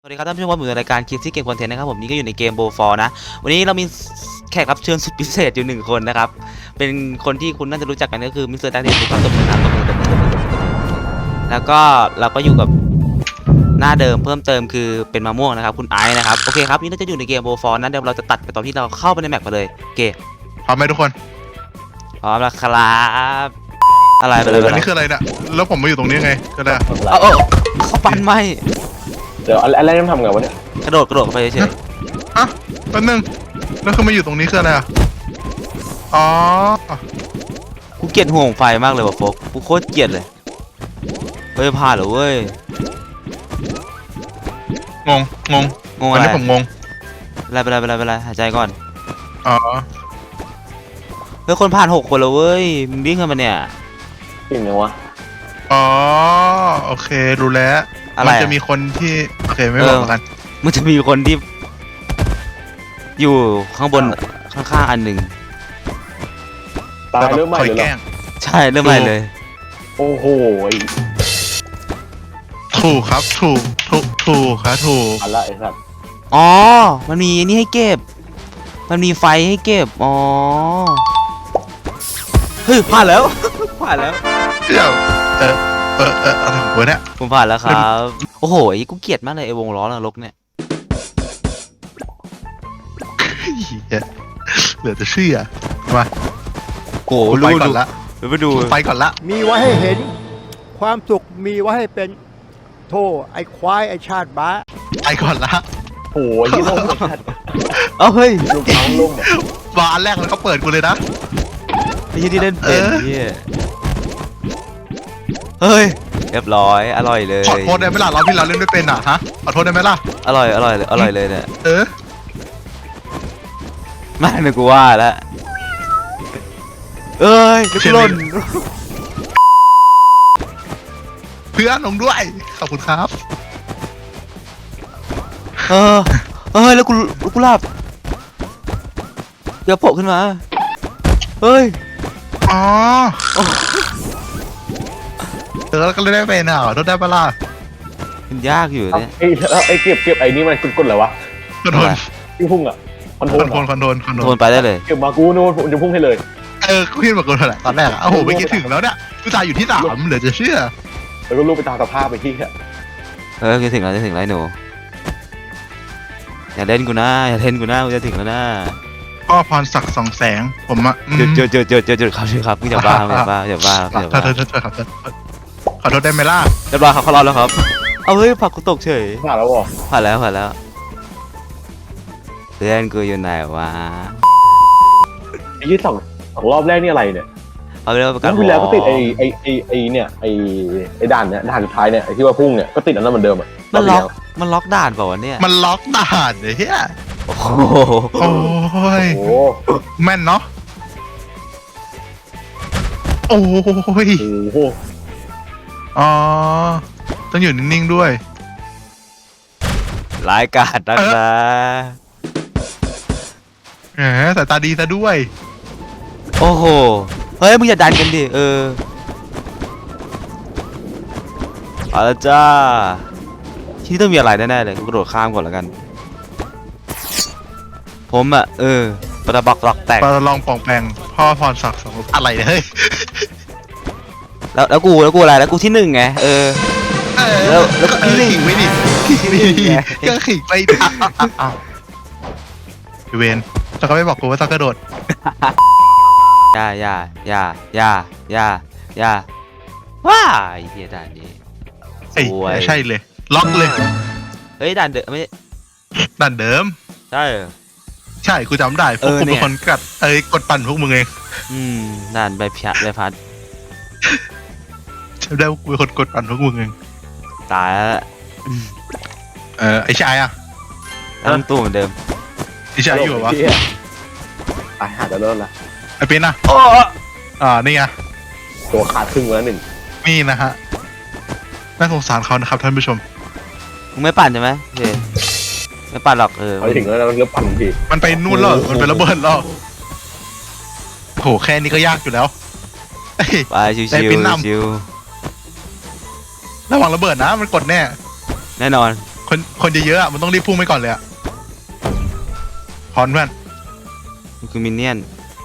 สวัสดีครับท่านผู้ชมว่าผมอยู่ในรายการคิดที่เกมคอนเทนต์นะครับผมนี่ก็อยู่ในเกมโบฟอร์นะวันนี้เรามีแขกรับเชิญสุดพิเศษอยู่1 คนนะครับเป็นคนที่คุณน่าจะรู้จักกันก็คือมิสเตอร์แดนเนียลถูกต้องตบมือนะตบมือแล้วก็เราก็อยู่กับหน้าเดิมเพิ่มเติมคือเป็นมะม่วงนะครับคุณไอซ์นะครับโอเคครับนี่เราจะอยู่ในเกมโบฟอร์นะเดี๋ยวเราจะตัดไปตอนที่เราเข้าไปในแมปมาเลยโอเคพร้อมไหมทุกคนพร้อมแล้วครับอะไรไปเลยอันนี้คืออะไรเนี่ยแล้วผมมาอยู่ตรงนี้ไงก็ได้เอาเขาปั้นไหมเดี๋ยวอะไรต้องทำไงวะเนี่ยกระโดดเข้าไปเฉยอ่ะแป๊บนึงแล้วคือมาอยู่ตรงนี้คืออะไรอ่ะอ๋อกูเกลียดห่วงไฟมากเลยว่ะโฟกกูโคตรเกลียดเลยเฮ้ยผ่านเหรอเว้ยงงงงตออะนไรนี้ผมงงเป็นไรหายใจก่อนอ๋อเฮ้ยคนผ่าน6 คนแล้วเว้ยมึงวิ่งกันมาเนี่ยจริงไงวะอ๋อโอเครู้แล้วอะไรมันจะมีคนที่โอเคไม่บอกกันมันจะมีคนที่อยู่ข้างบนข้างๆอันหนึ่งตายเริ่มใหม่คอยเลยแกเหรล้องใช่เริ่มใหม่เลยโอ้โหถูกครับถูกครับถูกอันละไอ้สัตว์อ๋อมันมีนี่ให้เก็บมันมีไฟให้เก็บอ๋อเฮ้ยผ่านแล้ว ผ่านแล้วเดี๋ยวอะไรของกูเนี่ยผมผ่านแล้วครับโอ้โหไอ้กูเกลียดมากเลยไอ้วงล้อนรกเนี่ยเหี้ยเหลือจะเชื่อมาโอ้โหกูไปก่อนละดูไปดูกูไปก่อนละมีไว้ให้เห็นความสุขมีไว้ให้เป็นโทไอ้ควายไอ้ชาติบ้าไปก่อนละโอ้ยยี่ห้อไอ้สัตว์เอ้าเฮ้ยลูกน้องลุ่มอะบาร์แรกมันเขาเปิดกูเลยนะไอ้ที่เล่นเป็นเฮียเฮ้ยเรียบร้อยอร่อยเลยขอโทษได้ไหมล่ะเราที่เราเล่นไม่เป็นอ่ะฮะขอโทษได้ไหมล่ะอร่อยเลยเนี่ยเออไม่นึกว่าแล้วเอ้ยลูกหล่นเพื่อนลงด้วย ขอบคุณครับเออแล้วกูหลับเดี๋ยวโผล่ขึ้นมาเฮ้ยอ๋อแล้วก็เลยได้เป็นอ่ะขอโทษได้ปะล่ะมันยากอยู่เนี่ยไอ้เก็บไอ้นี่มันกดๆอะไรวะคอนโทรลที่พุ่งอ่ะคอนโทรลคอนโทรลโดนไปได้เลยเก็บมากูนู่นผมจะพุ่งให้เลยกูคิดแบบกูแหละตอนแรกอ่ะโอ้โหไม่คิดถึงแล้วเนี่ยกูจ่ายอยู่ที่3เหลือจะเชื่อแล้วก็ลูกไปตามสภาพไปที่อะจะถึงแล้วไอ้หนูอย่าเล่นกูนะกูจะถึงแล้วนะก็พรศักดิ์2 แสงผมอ่ะจุดครับมึงอย่าบ้าขอโทษครับขอโทษได้ไหมล่ะเรียบร้อยครับเขารอดแล้วครับเอาเฮ้ยผักกูตกเฉยผ่านแล้วบอกผ่านแล้วเพื่อนกูอยู่ไหนวะไอ้ยี่สองรอบแรกนี่อะไรเนี่ยเอาไปเรียกว่าประกัแล้นวที่แล้วก็ติดไอ้เนี่ยไอ้ด่านเนี่ยด่านสุดท้ายเนี่ยไอ้ที่ว่าพุ่งเนี่ยก็ติดอันนั้นเหมือนเดิมอ่ะมันล็อกด่านเปล่าวะเนี่ยมันล็อกด่านเลยเฮียโอ้โหโอ้ยโอ้โหแม่นเนาะโอ้ยโอ้โหอ๋อต้องอยู่นิ่งๆด้วยรายการนักนะแหมสายตาดีซะด้วยโอ้โหเฮ้ยมึงอย่าดันกันดิเอาละจ้าที่ต้องมีอะไรแน่ๆเลยกูกระโดดข้ามก่อนแล้วกันผมอ่ะประบักหลอกแตกปลองป่องแปงพ่อพรศักดิ์2อะไรเนี่ยเฮ้ยแล้วกูอะไรแล้วกูที่1ไงแล้วก็ที่หนึ่งขิงไม่ดิก็ขิงไปดิเวนแล้วก็ไม่บอกกูว่าต้องกระโดดอย่าว้าไอ้เหี้ยด่านนี้เอ้ยสวยใช่เลย ล็อกเลยเฮ้ยด่านเดิมไม่ดันเดิมใช่เหรอใช่กูจำได้พวกกูเนี่เป็นยคนกดปั่นพวกมึงเองด่านใบพัดจำได้ว่ากูเป็นคนกดปั่นพวกมึงเองตายแล้วไอ้ชายอ่ะต้องตู้เหมือนเดิมไอ้ชายอยู่เหรอวะตายหาจะเริ่มละไอ้เป็นอ่ะนี่ไงตัวขาดครึ่งแล้วหนึ่งนี่นะฮะน่าสงสารเขานะครับท่านผู้ชมมึงไม่ปั่นใช่ไหมโอเคไม่ปั่นหรอกเขาถึงแล้วแล้วปั่นทีมันไปนู่นแล้วมันไประเบิดแล้วโหแค่นี้ก็ยากอยู่แล้วเอ้ยไปชิวได้ปิ้นนำชิวระวังระเบิดนะมันกดแน่แน่นอนคนเยอะๆอะมันต้องรีบพุ่งไปก่อนเลยอะพร้อมเพื่อนมันคือมินเนี่ยน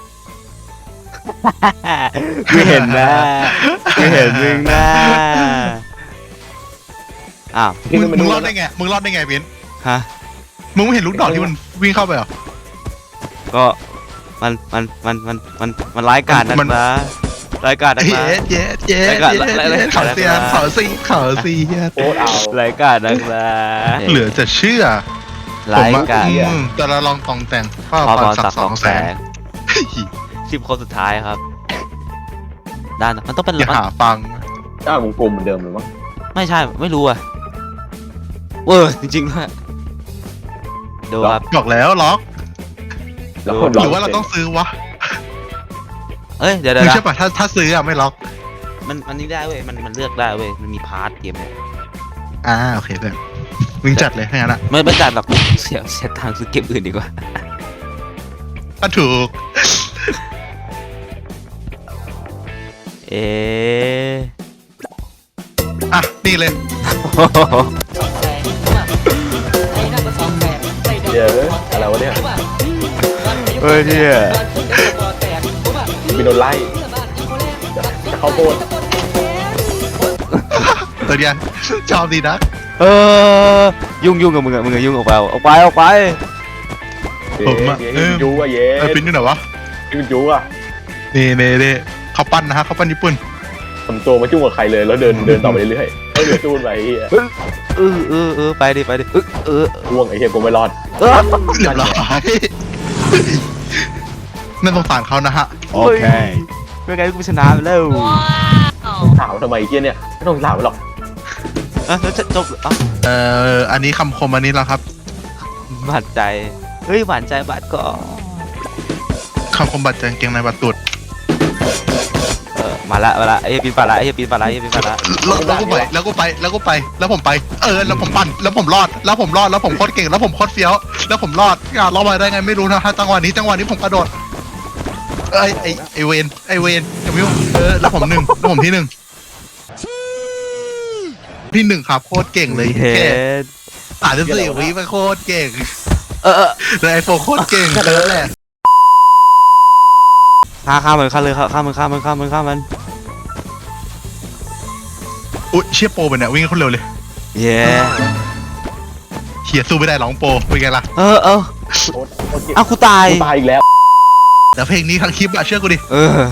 ไม่เห็นนะไม่เห็นมึงนะอ้าวมึงรอดได้ไงมึงรอดได้ไงเบนฮะมึงไม่เห็นลูกดอกที่มันวิ่งเข้าไปเหรอก็มันร้ายกาจนักมันนะร้ายกาจนักเย้นะเย้เย้แล้วก็เย้แล้วเขาเสียเขาสีเขาสีเหี้ยโคตรเอาร้ายกาจนักนะเหลือจะเชื่อร้ายกาจแต่เราลองตองแต่งพ่อพอพพรอศัสักกดิ์สสออง งแสแสงง 10 คนสุดท้ายครับด้านมันต้องเป็นอย่าหาฟังด้านวงกลมเหมือนเดิมเลยมั้งไม่ใช่ไม่รู้อ่ะจริงๆด้วยดูครับบอกแล้วล็อกแล้วหรือว่าเราต้องซื้อวะเอ้ยเดี๋ยวไม่ใช่ป่ะถ้าซื้ออะไม่ล็อกมันนี่ได้เว้ยมันเลือกได้เว้ยมันมีพาร์ทเกมเนี่ยโอเคเพื่อนมึงจัดเลยถ้างั้นอะไม่จัดหรอกเสียทางค์ซื้อเกมอื่นดีกว่าก็ถูกเอ๊ะอ่ะนี่เลยเดี๋ยวอะไรวะเนี่ยเฮ้ยเนี่ยมีโดนไล่จะเข้าโพดตัวเนี้ยชอบดีนะยุ่งกับมึงอะยุ่งออกไปออกไปเย้ยูอ่ะเย้ปิ้นอยู่ไหนวะยูอ่ะนี่เขาปั้นนะฮะเขาปั้นญี่ปุ่นทำตัวมาจุ้งกับใครเลยแล้วเดินต่อไปเรื่อยๆไม่เหลือจูนไปไอ้เหี้ยไปดิพ่วงไอ้เหี้ยกูไม่รอดเรียบร้อยนั่นสงสารเขานะฮะโอเคไม่งั้นกูชนะไปแล้วถามทำไมไอ้เหี้ยเนี่ยไม่ต้องถามหรอกแล้วจะจบอันนี้คำคมอันนี้แล้วครับหวานใจเฮ้ยหวานใจบาดก็คำคมบัตรแจงเกงในบัตรตุดมาละไอ้ปีนป่าละแล้วก็ไปแล้วผมไปแล้วผมปั่นแล้วผมรอดแล้วผมโคตรเก่งแล้วผมโคตรเฟี้ยวแล้วผมรอดรอดมาได้ไงไม่รู้นะฮะจังหวะนี้ผมกระโดดไอเวนอย่าไม่ยุ่งแล้วผมที่หนึ่งครับโคตรเก่งเลยเฮ็ด 34 วิมันโคตรเก่งเลยไอโฟโคตรเก่งแค่นั้นแหละฆ่ามันฆ่าเลยฆ่ามันอุ๊ยเชี่ยโปรไปเนี่ยวิ่งคนเร็วเลยเย้เฮียสู้ไม่ได้หรอกโปรเป็นไงล่ะเอากูตายตายอีกแล้วแต่เพลงนี้ทั้งคลิปอะเชื่อกูดิ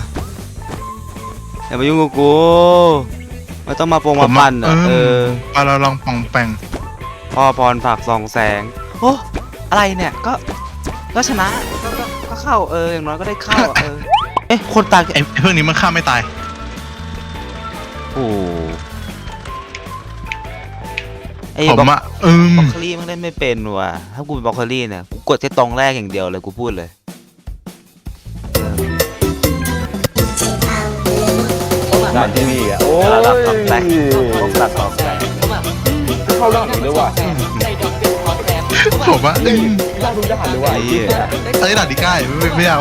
อย่ามายุ่งกับกูไม่ต้องมามาปั่นมาเราลองปองแปงพ่อพรฝากส่องแสงโอ้อะไรเนี่ยก็ชนะก็เข้าอย่างน้อยก็ได้เข้าคนตายไอ้เพื่อนนี้มันฆ่าไม่ตายโอ้ไอ้ผมบอะล็อกเคอรี่มันเล่นไม่เป็นว่ะถ้ากูเป็นบล็อกเคอรี่เนี่ยกูกดแค่ตรงแรกอย่างเดียวเลยกูพูดเลยด่านที่มีอ่ะโอ้ยระดับสองแสงเข้าด่านนี้ด้วยว่ะผมอะได้ทุกด่านเลยว่ะไอ้เหี้ยด่านที่ใกล้ไม่อยาก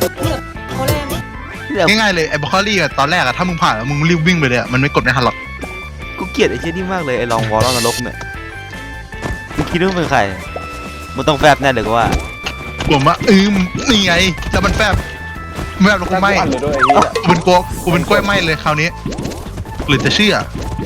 ง่ายๆเลยไอ้บล็อกเคอรี่อะตอนแรกอะถ้ามึงผ่านแล้วมึงรีบวิ่งไปเลยอะมันไม่กดไม่ทันหรอกกูเกลียดไอ้เช่นนี้มากเลยไอ้ลองวอลล์นรกเนี่ยมึงคิดว่าเป็นใครมึงต้องแฟบแน่เลยกูว่าผมอะนี่ไงแล้วมันแฟบแล้วกูไม่ด่านเลยด้วยไอ้เหี้ยกูเป็นกล้วยไหมเลยคราวนี้หรือจะเชื่อ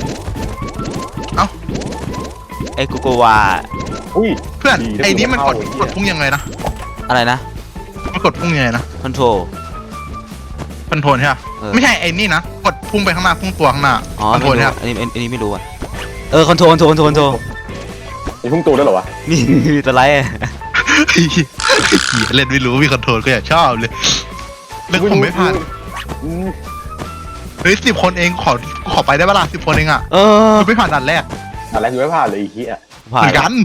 ไอ้กูโกวาอุ้ยเพื่อนดีนะไอ้นี้มันกดกูเข้าไอ้เหี้ยพุ่งยังไงนะอะไรนะมันกดพุ่งยังไงนะคอนโทรคอนโทรลใช่ปะไม่ใช่ไอ้นี่นะกดพุ่งไปข้างหน้าพุ่งตัวข้างหน้าอ๋อคอนโทรลไม่ใช่รู้ปะอันนี้ไม่รู้อ่ะคอนโทรมีพุ่งตัวด้วยเหรอวะมีตัวไรเล่นไม่รู้มีคอนโทรลก็อยากชอบเลยแล้วผมไม่ผ่านเฮ้ย10 คนเองขอไปได้ปะล่ะ10 คนเองอ่ะกูไม่ผ่านด่านแรกอะไรกูไม่ผ่านเลยไอ้เหี้ยผ่าเหมืนอนกัน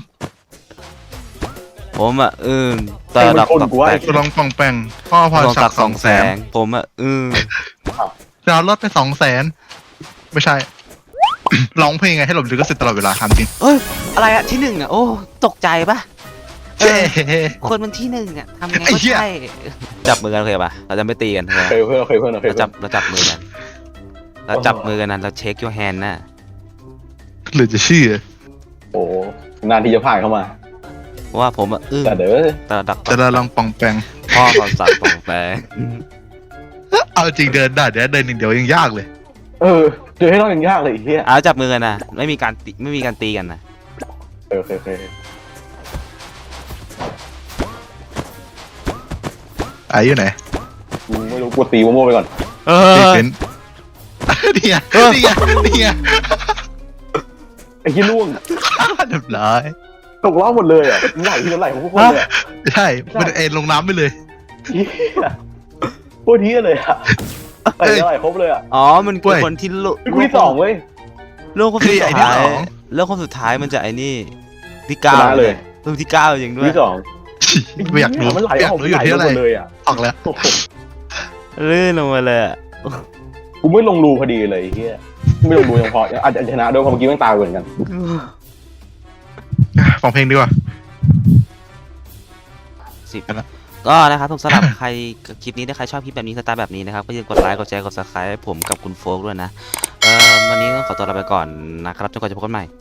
ผมแต่ดอกจะลองปองแปงพ่อพรศักดิ์200,000 ผมจะลดไป200,000ไม่ใช่ ร้องเพลงไงให้หลบลิขสิทธิ์ตลอดเวลาทำจริงอะไรอะที่หนึ่งอะโอ้ตกใจปะเฮ้คนมันที่หนึ่งอะทำไงก็ใช่จับมือกันโอเคปะเราจะไม่ตีกันเคยเพื่อนเราจับมือกันเราจับมือกันนั้นเราเช็คยูแฮนน่ะหรือจะเชื่อโอ้นานที่จะผ่านเข้ามาเพราะว่าผมอะแต่เด้อแต่ดักจะได้ลองปองแปงพ่อคำสั่งของแปลงเอาจริงเดินได้เดี๋ยวเดินอย่างเดียวยังยากเลยเจอให้ต้องยังยากเลยไอ้เหี้ยเอาจับมือกันนะไม่มีการตีกันนะโอเคไอ้อยู่ไหนกูไม่รู้กูตีโมโม่ไปก่อนตีเป็นเนี่ยเนี่ยไอ้เหี้ยล่วงเรียบร้อยตกรอบหมดเลยอ่ะไหลทีละไหลของพวกคนเลยใช่มันเอ็นลงน้ำไปเลยเหี้ยโคตรเหี้ยเลยอ่ะไหลทีละไหลครบเลยอ่ะอ๋อมันคือคนที่โลกูที่สองเว้ยโลกคนสุดท้ายโลกคนสุดท้ายมันจะไอ้นี่ที่เก้าชนะเลยเพิ่มที่เก้าจริงด้วยที่สองไม่อยากรู้มันไหลอยากออกรู้อยู่ที่อะไรหมดเลยอ่ะออกแล้วโอ้โหลื่นลงมาเลยอะกูไม่ลงรูพอดีเลยไอ้เหี้ยไม่ลงรูยังพออาจจะชนะด้วยเพราะเมื่อกี้แม่งตายเหมือนกันฟังเพลงดีกว่า 10ก็นะครับสำหรับใครคลิปนี้ถ้าใครชอบคลิปแบบนี้สไตล์แบบนี้นะครับก็อย่าลืมกดไลค์กดแชร์กด subscribe ให้ผมกับคุณโฟกด้วยนะวันนี้ต้องขอตัวลาไปก่อนนะครับจนกว่าจะพบกันใหม่